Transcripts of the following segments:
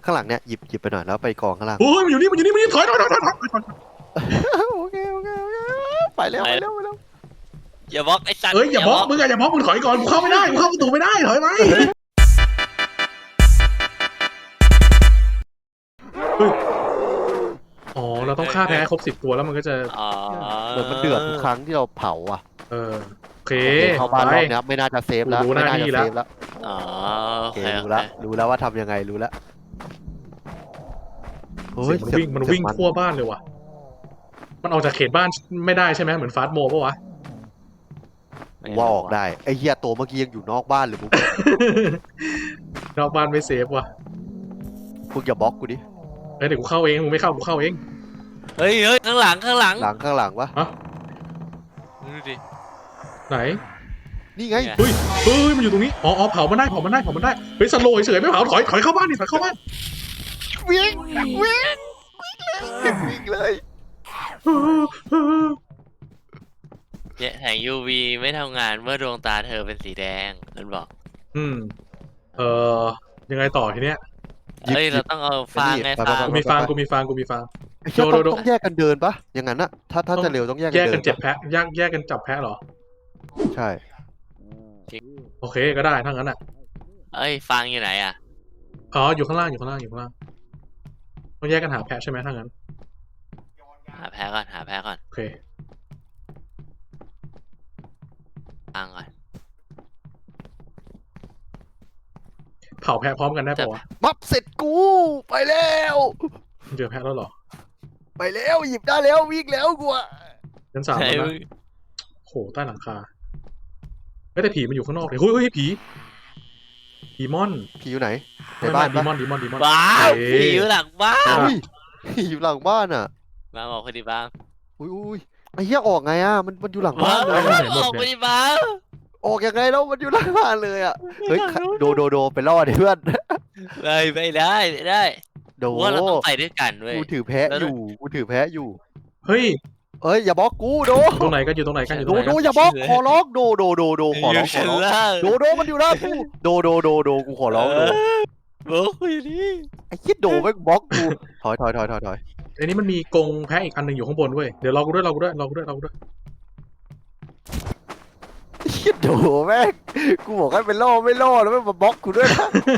างหลังเนี่ยหยิบไปหน่อยแล้วไปกองข้างล่างโอ้ยมันอยู่นี่ถอยโอเคไปแล้วอย่าบล็อกไอ้สัตว์เอ้ยอย่าบล็อกมึงถอยก่อนกูเข้าไม่ได้กูเข้าประตูไม่ได้ถอยไหมอ๋อเราต้องฆ่าแพ้ครบ10 ตัวแล้วมันก็จะอ๋อเหมือนมันเดือดทุกครั้งที่เราเผาอ่ะโอเคเข้าบ้านรอบนี้ไม่น่าจะเซฟแล้วไม่น่าจะเซฟแล้วอ๋อโอโอเคเครู้แล้วว่าทำยังไงรู้แล้วเสียงมันวิ่งทั่วบ้านเลยว่ะมันออกจากเขตบ้านไม่ได้ใช่ไหมเหมือนฟาสต์โมปะวะว่าออกได้ไอ้เหี้ยตัวเมื่อกี้ยังอยู่นอกบ้านหรือมึงนอกบ้านไม่เซฟว่ะมึงอย่าบล็อกกูดิเดี๋ยวกูเข้าเองมึงไม่เข้ากูเข้าเองเฮ้ยข้างหลังข้างหลังวะดูดิไหนนี่ไงเฮ้ยมันอยู่ตรงนี้อ๋อเผามันได้เฮ้ยสโลว์เฉยไม่เผาถอยเข้าบ้านดิถอยเข้าบ้านวิ่งเลยเนี่ยแสง UV ไม่ทำงานเมื่อดวงตาเธอเป็นสีแดงมันบอกเออยังไงต่อทีเนี้ยเฮ้ยเราต้องเอาฟางไงฟางกูมีฟางไอ้เหี้ยต้องแยกกันเดินปะอย่างนั้นอะถ้าจะเร็วต้องแยกกันแยกเดิกันนเจ็บแพะแยกกันจับแพะเหรอใช่โอเคก็ได้ทั้งนั้นอ่ะเอ้ยฟางอยู่ไหนอ่ะอ๋ออยู่ข้างล่างต้องแยกกันหาแพะใช่ไหมทั้งนั้นหาแพ้ก่อนโอเคฟางก่อนเผาแพะพร้อมกันได้ปะวะมับเสร็จกูไปแล้วเจอแพะแล้วเหรอไปแล้วหยิบได้แล้ววิ่งแล้วกูอะชั้น3 ใช่แล้วนะโหใต้หลังคาไม่แต่ผีมันอยู่ข้างนอกเลยเฮ้ยผีม่อนผีอยู่ไหนในบ้านดีปะมอนบ้าผีอยู่หลังบ้านอุ้ยผีอยู่หลังบ้านอะมาบอกคนดีบ้างอุ้ยไอ้เหี้ยออกไงอะมันอยู่หลังบ้านเลยออกคนดีบ้างออกยังไงแล้วมันอยู่หลังบ้านเลยอะเฮ้ยโดไปล่อดิเพื่อนไม่ได้โดว่าเราต้องไปด้วยกันเว้ยกูถือแพะอยู่เฮ้ยเอ้ยอย่าบล็อกกูโดตรงไหนกันอยู่ตรงไหนกันโดอย่าบล็อกขอร้องโดขอร้องชั้นล่างโดมันอยู่หน้ากูโดกูขอร้องโดบอกคุยดิไอ้คิดโดแม่งบล็อกกูถอยอันนี้มันมีกรงแพะอีกอันหนึ่งอยู่ข้างบนเว้ยเดี๋ยวรอกูด้วยไอ้คิดโดแม่งกูบอกให้เป็นล่อไม่ล่อแล้วแม่งมาบล็อกกูด้วยนะ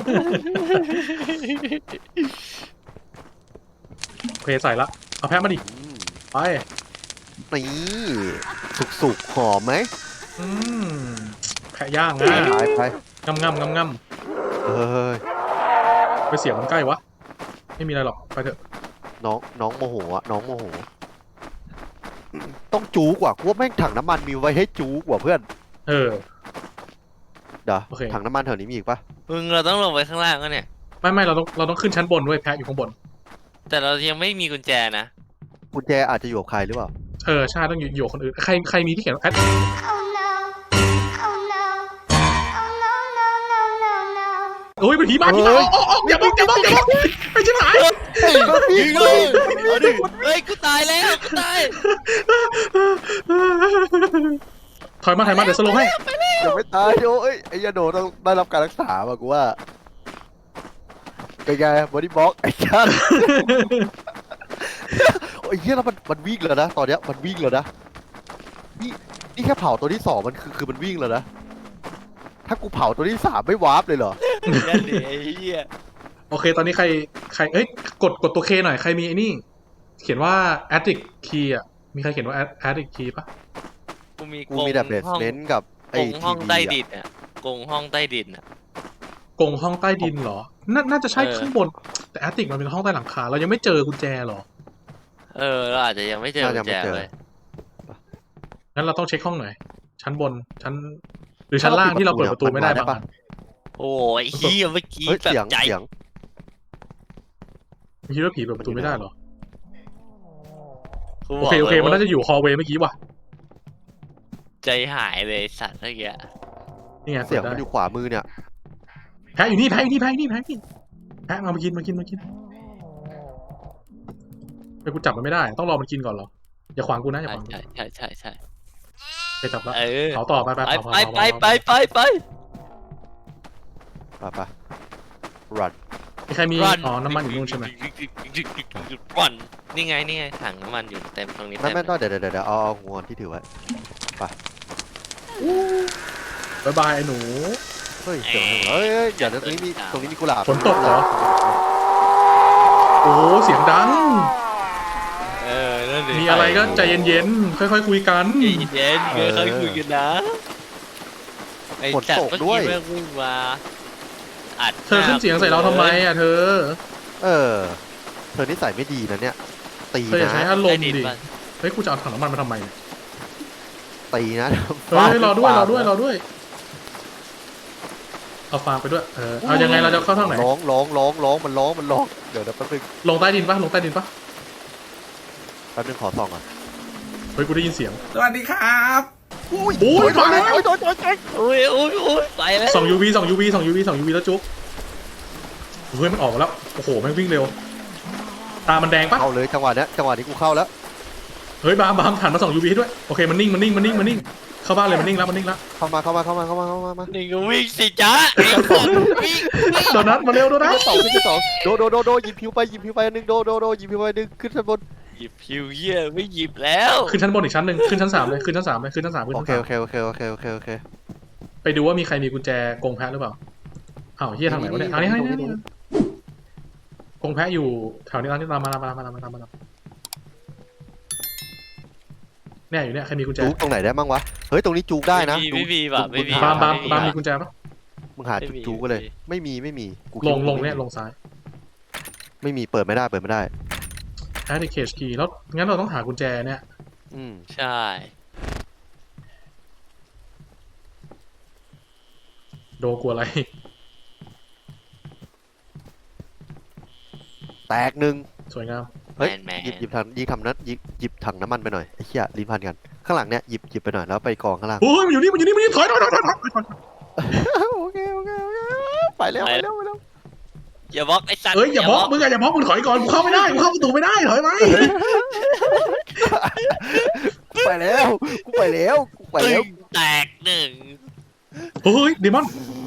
โอเคใส่ละเอาแพะมาดิไปนี่สุกหอมไหมแพะย่างไปนะไปงำเฮ้ยไปเสียงมันใกล้วะไม่มีอะไรหรอกไปเถอะน้องโมโหอะน้องโมโหต้องจูกว่ากูว่าแม่งถังน้ำมันมีไว้ให้จูกว่าเพื่อนเออเดี๋ยวโอเคถังน้ำมันแถวนี้มีอีกปะมึงเราต้องลงไปข้างล่างก็เนี่ยไม่เราต้องขึ้นชั้นบนเว้ยแพะอยู่ข้างบนแต่เรายังไม่มีกุญแจนะกุญแจอาจจะอยู่กับใครหรือเปล่าใช่ต้องอยู่คนอื่นใครมีที่เขียนแอด Oh no. Oh no. Oh no. โอ้ยเป็นผีมาอย่าบอกไปชิบหายยิงเลยเฮ้ยกูตายแล้วกูตายถอยมาเดี๋ยวสโลว์ให้ยังไม่ตายโอ้ยไอ้ยาโดต้องได้รับการรักษาป่ะกูว่าเป็นไงบอดี้บล็อกไอ้ชันโอ้ยเฮียแล้วมันวิ่งแล้วนะตอนเนี้ยมันวิ่งแล้วนะนี่แค่เผาตัวที่2มันคือมันวิ่งแล้วนะถ้ากูเผาตัวที่3ไม่วาร์ปเลยเหรอนั่นดิไอ้เหี้ยโอเคตอนนี้ใครกดตัวเคหน่อยใครมีไอ้นี่เขียนว่า addict key อ่ะมีใครเขียนว่า addict key ปะกูมีกูมีแต่เบสเน้นกับกไอ้งห้องทีใต้วีดินอ่ะกงห้องใต้ดินอ่ะกรงห้องใต้ดินเหรอน่าจะใช่ข้างบนแต่ addict มันเป็นห้องใต้หลังคาเรายังไม่เจอกุญแจหรอเราอาจจะยังไม่เจอกุญแจเลยงั้นเราต้องเช็คห้องหน่อยชั้นบนหรือชั้นล่างที่เราเปิดประตูไม่ได้ปะโอ้ยเหี้ยเมื่อกี้เฮ้ยแบบเสียงใจคิดว่าผีเปิดประตูไม่ได้เหรอกูบโอก เคลยมันน่าจะอยู่ฮอลเวย์เมื่อกี้ว่ะใจหายเลยสัตว์เมื่อกี้นี่ไงเสียงมันอยู่ขวามือเนี่ยแพะอยู่นี่แพะมากินไปกูจับมันไม่ได้ต้องรอมันกินก่อนเหรออย่าขวางกูนะอย่าขวางกูใช่ไปจับแล้วเออเผาต่อไปไปป่ะรันมีใครมี Run อ๋อน้ำมันอยู่นู่นใช่ไหม Run นี่ไงนี่ไงถังน้ำมันอยู่เต็มตรงนี้ไม่เต็มไม่ต้องเดี๋ยวเอาหัวที่ถือไว้บายบายไอ้หนูเฮ้ยเสียงอะไรเฮ้ยเดี๋ยวตรงนี้มีกุหลาบฝนตกเหรอ โอ้เสียงดังนั่นดิมีอะไรก็ใจเย็นๆ ค่อยๆคุยกันใจเย็นๆเคยคุยกันนะไอ้จัดเมื่อกี้แม่งวิ่งมาอัดเธอขึ้นเสียงใส่เราทำไมอ่ะเธอเออเธอนิสัยไม่ดีนะเนี่ยตีเธออย่านะใช้อารมณ์ดิดิ เฮ้ยกูจะเอาถังน้ำมันมาทำไมเนี่ยตีนะเฮ้ยรอด้วยรอด้วยรอด้วย เอาฟางไปด้วย เอายังไงเราจะเข้าทางไหนร้องมันร้องเดี๋ยวแป๊บนึงลงใต้ดินปะลงใต้ดินปะแป๊บนึงขอส่องก่อนเฮ้ยกูได้ยินเสียงสวัสดีครับโอ้ยมาแล้วโอ้ยไปแล้วส่อง UV ส่อง UV ส่อง UV ส่อง UV แล้วจุ๊บเฮ้ยมันออกมาแล้ว โอ้โหแม่งวิ่งเร็ว ตามันแดงปะเข้าเลยจังหวะนี้กูเข้าแล้วเฮ้ยบามหันมาส่อง UV ให้ด้วย โอเคมันนิ่งเข้าบ้านเลยมันนิ่งแล้วเข้ามานี่ก็วิ่งสิจ้าไอ้คนวิ่งโดนัทมาเร็วโดนัทสองโดหยิบผิวไปอันนึงโดหยิบผิวไปอันนึงขึ้นชั้นบนหยิบพิวเยี่ยไม่หยิบแล้วขึ้นชั้นบนอีกชั้นหนึ่งขึ้นชั้น 3เลยขึ้นชั้น 3เลยขึ้นชั้น 3ขึ้นโอชั้นเค 3 โอเคไปดูว่ามีใครมีกุญแจกรงแพะหรือเปล่าอ้าวเฮียทางไหนวะเนี่ยอันนี้กรงแพะอยู่แถวนี้ร้านนี้ตามมาเนี่ยอยู่เนี่ยใครมีกุญแจจูกตรงไหนได้บ้างวะเฮ้ยตรงนี้จูกได้นะไม่มีแบบไม่มีบามมีกุญแจปะมึงหาจูกไปเลย ไม่มีกูลงเนี่ยลงซ้ายไม่มีเปิดไม่ได้ add cage key แล้วงั้นเราต้องหากุญแจเนี่ยใช่โดกลัวอะไรแตกหนึ่งสวยงามเฮ้ยแมนหยิบถังน้ำมันไปหน่อยไอ้เหี้ยลิ้นพันกันข้างหลังเนี่ยหยิบไปหน่อยแล้วไปกองข้างล่างโอ้ยมันอยู่นี่ถอยโอเคไปแล้วอย่าบล็อกไอ้สัตว์เอ้ยอย่าบล็อกมึงมึงถอยก่อนกูเข้าไม่ได้กูเข้าประตูไม่ได้ถอยไปกูไปแล้วตึงแตกหนึ่งเฮ้ยเดมอน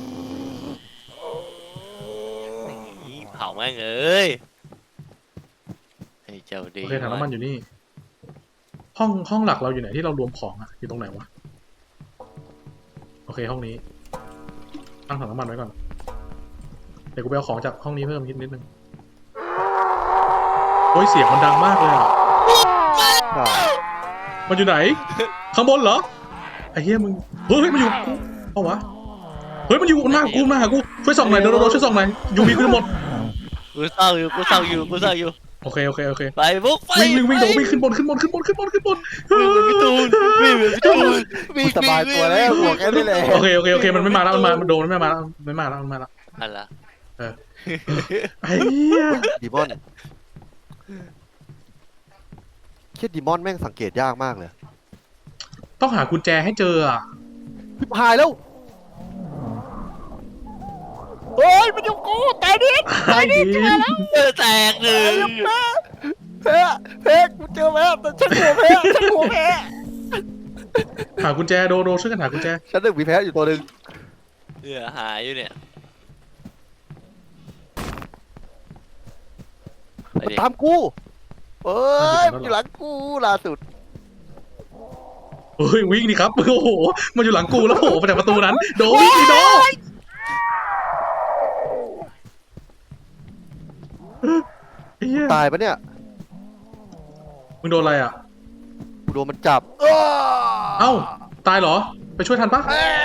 เผาแม่งเอ้ยไอ้เจ้าดีโอเคถังน้ำมันอยู่นี่ ห้องหลักเราอยู่ไหนที่เรารวมของอะอยู่ตรงไหนวะโอเคห้องนี้ตั้งถังน้ำมันไว้ก่อนเดี๋ยวกูไปเอาของจากห้องนี้เพิ่มนิดนึงโอ้ยเสียงมันดังมากเลยอะมันอยู่ไหนข้างบนเหรอไอ้เหี้ยมึงเฮ้ยมันอยู่กูเอาวะเฮ้ยมันอยู่หน้ากูช่วยส่องหน่อยโดช่วยส่องหน่อยยูวีกูจะหมดกูเศร้าอยู่โอเคไปบุกไปวิ่งโดวิ่งขึ้นบนวิ่งไปพี่ตูนวิ่งสบายตัวแล้วหัวแค่นี้เลยโอเคมันไม่มาแล้วมันโดนมันไม่มาแล้วอะไรไอ้เหี้ยดีมอนคิดดีมอนแม่งสังเกตยากมากเลยต้องหากุญแจให้เจออ่ะพิพายแล้วโอ้ยมันอยู่กูตายดิแตกหนึ่งแพ้กูเจอแพ้แต่ฉันหัวแพ้หากุญแจโดช่วยกันหากุญแจฉันหนึ่งมีแพ้อยู่ตัวหนึ่งหายอยู่เนี่ยไปดิตามกูเอ้ยมันอยู่หลังกูล่าสุดเฮ้ยวิ่งดิครับโอ้โหมันอยู่หลังกูแล้วโผล่มาจากประตูนั้นโดวิ่งดิโดตายปะเนี่ยมึงโดนอะไรอ่ะกูโดนมันจับเอ้าตายเหรอไปช่วยทันปะ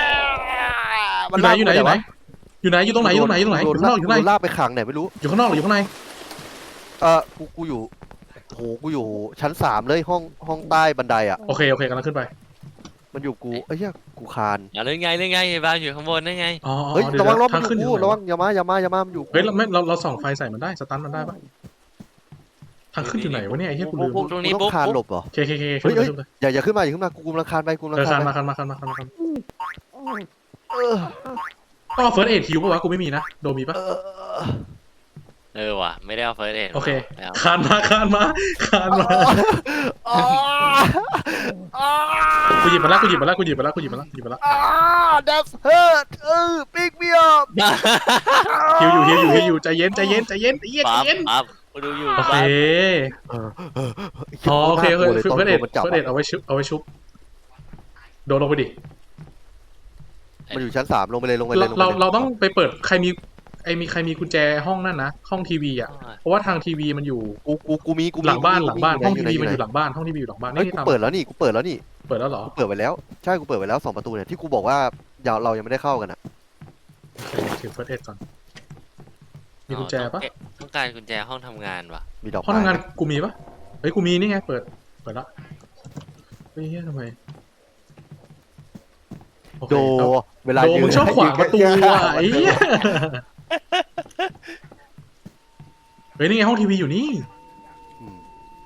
อยู่ไหนอยู่ตรงไหนอยู่ข้างนอกอยู่ข้างในโดนลากไปขังไหนไม่รู้อยู่ข้างนอกหรืออยู่ข้างในกูอยู่โหกูอยู่ชั้น3เลยห้องใต้บันไดอ่ะโอเคกำลังขึ้นไปมันอยู่กูเอ้ยกูคานเล่นไงบ้านอยู่ข้างบนนั่นไงอ๋อเฮ้ยเดี๋ยวระวังรถมัทาน งอขึ้นอยู่ยู่ไหนระวัวะงอย่ามามันอยู่เฮ้ยเราส่องไฟใส่มันได้สตันมันได้ปะทางขึ้นอยู่ไหนวะเนี่ยไอ้เหี้ยกูลืมตรงนี้ต้องคานหลบเหรอเคเฮ้ยขึ้นไปอย่าขึ้นมากูกำลังคานไปกูกำลังคานมาไปคันต้องเอาเฟิร์สเอทคิวปะวะกูไม่มีนะโดมีปะเอว่ะไม่ได้เอาเฟิร์สเอ็ดโอเคแล้วคานมาอ๋ออ๋อกูหยิบมาแล้ว that's hurt pick me up ฮิวอยู่ใจเย็นปั๊บกูดูอยู่โอเคปั๊บโอเคเฟิเฟิร์สเอ็ดมันจับเอาไว้ชุบโดนลงไปดิมันอยู่ชั้น3ลงไปเลยเราต้องไปเปิดใครมีกุญแจห้องนั่นนะห้องทีวีอ่ะเพราะว่าทางทีวีมันอยู่กูมีหลังบ้าน ห้องทีวีไหมันอยู่หลังบ้านห้องทีวีอยู่หลังบ้านเฮ้ยนี่กูตามเปิดแล้วนี่เปิดแล้วเหรอกูเปิดไว้แล้วใช่กูเปิดไว้แล้ว2 ประตูเนี่ยที่กูบอกว่าเรายังไม่ได้เข้ากันอ่ะถือเฟิร์สเอ็ดก่อนมีกุญแจปะต้องการกุญแจห้องทำงานว่ะมีดอกห้องไม้ทำงานกูมีปะเฮ้ยกูมีนี่ไงเปิดละเฮ้ยทำไมโอเคโดเอาเวลาโดยืนมึงชอบขวางประตูอ่ะไอ้เหี้ยเฮ้ยนี่ไงห้องทีวีอยู่นี่อืม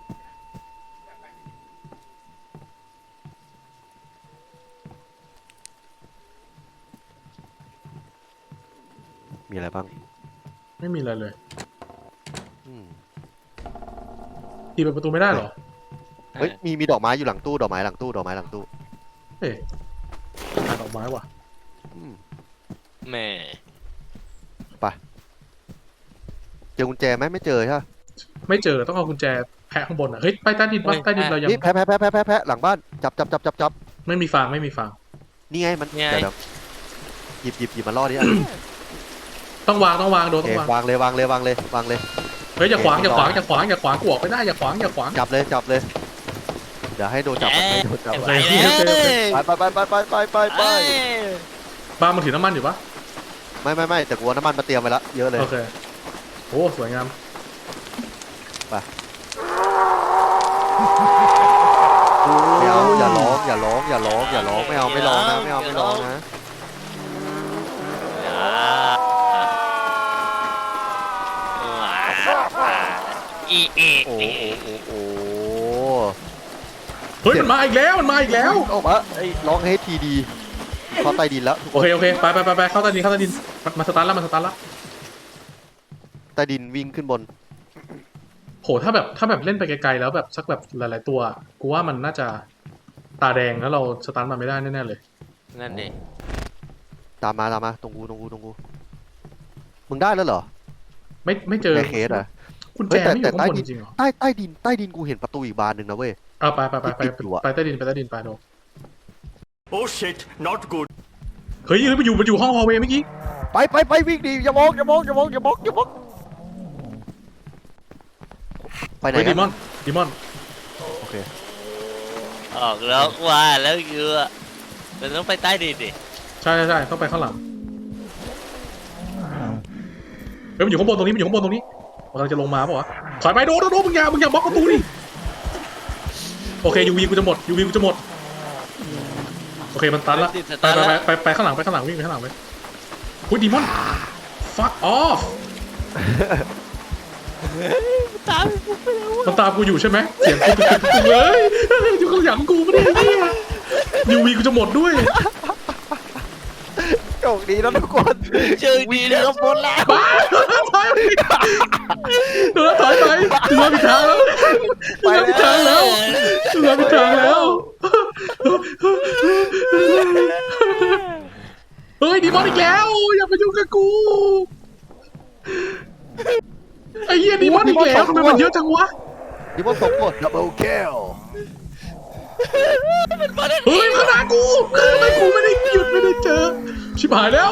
มีอะไรบ้างไม่มีอะไรเลยอืมทีเปิดประตูไม่ได้เหรอเฮ้ยมีดอกไม้อยู่หลังตู้ดอกไม้หลังตู้เฮ้ยหาดอกไม้ว่ะอืมแม่เจอกุญแจไหมไม่เจอใช่ปะไม่เจอต้องเอากุญแจแพะข้างบนอ่ะเฮ้ยไปใต้ดินปะใต้ดินเรายังนี่แพะหลังบ้านจับไม่มีฟางนี่ไงมันเดี๋ยวหยิบมาล่อดิอ่ะต้องวางโดนโอต้เคองวางวางเลยเฮ้ยอย่าขวางกูออกไม่ได้อย่าขวางจับเลยเดี๋ยวให้โดนจับไปเลยไปบ้านมันถือน้ำมันอยู่ปะไม่แต่กูเอาน้ำมันมาเตรียมไว้ละเยอะเลยโอเคโอ้สวยงามไม่เอาอย่าร้องไม่เอาไม่ร้องนะอีเอโอ้เฮ้ยมันมาอีกแล้วออกมาไอ้ร้องให้ทีดีเขาใต้ดินแล้วทุกคโอน เคไปเข้าใต้ดินมาสตาร์ทละใต้ดินวิ่งขึ้นบนโหถ้าแบบเล่นไปไกลๆแล้วแบบสักแบบหลายๆตัวกูว่ามันน่าจะตาแดงแล้วเราสตาร์ทมาไม่ได้แน่ๆเลยนั่นดิตามมาตรงกูมึงได้แล้วเหรอไม่เจอในเคสอ่ะกุญแจไม่อยู่ข้างบนจริงเหรอใต้ดินกูเห็นประตูอีกบานหนึ่งนะเว้ยเอาไปใต้ดินไปโด Oh shit, not good. เฮ้ยมันอยู่ห้องฮอลเวย์เมื่อกี้ไปวิ่งดิอย่ามองไปไหนเฮ้ยกัดีนมอนโอเคออกแล้วว่าแล้วเยอะมันต้องไปใต้ดินดิใช่ต้องไปข้างหลังเฮ้ยมันอยู่ข้างบนตรงนี้กำลังจะลงมาป่ะวะถอยไปโดมึงอย่าบล็อกประตูดิโอเคยูวีกูจะหมดโอเคมันตันละไปข้างหลังวิ่งไปข้างหลังไปหุ้ยดีมอน fuck off มันตามกูอยู่ใช่ไหมเสียงกูตึกเลยอยู่ข้างหลังกูไม่ได้เนี่ยยูวีกูจะหมดด้วยโชคดีนะทุกคนเจอดีเลยครับบนแล้วบ้าถอยไปถึงมาผิดทางแล้วเฮ้ยดีมอนอีกแล้วอย่าไปยุ่งกับกูไอ้เหี้ยดีมอนอีกแล้วทำไมมันเยอะจังวะดิมอน2 คนดับเบิลคิลเฮ้ยขนาดกูทำไมกูไม่ได้หยุดไม่ได้เจอชิบหายแล้ว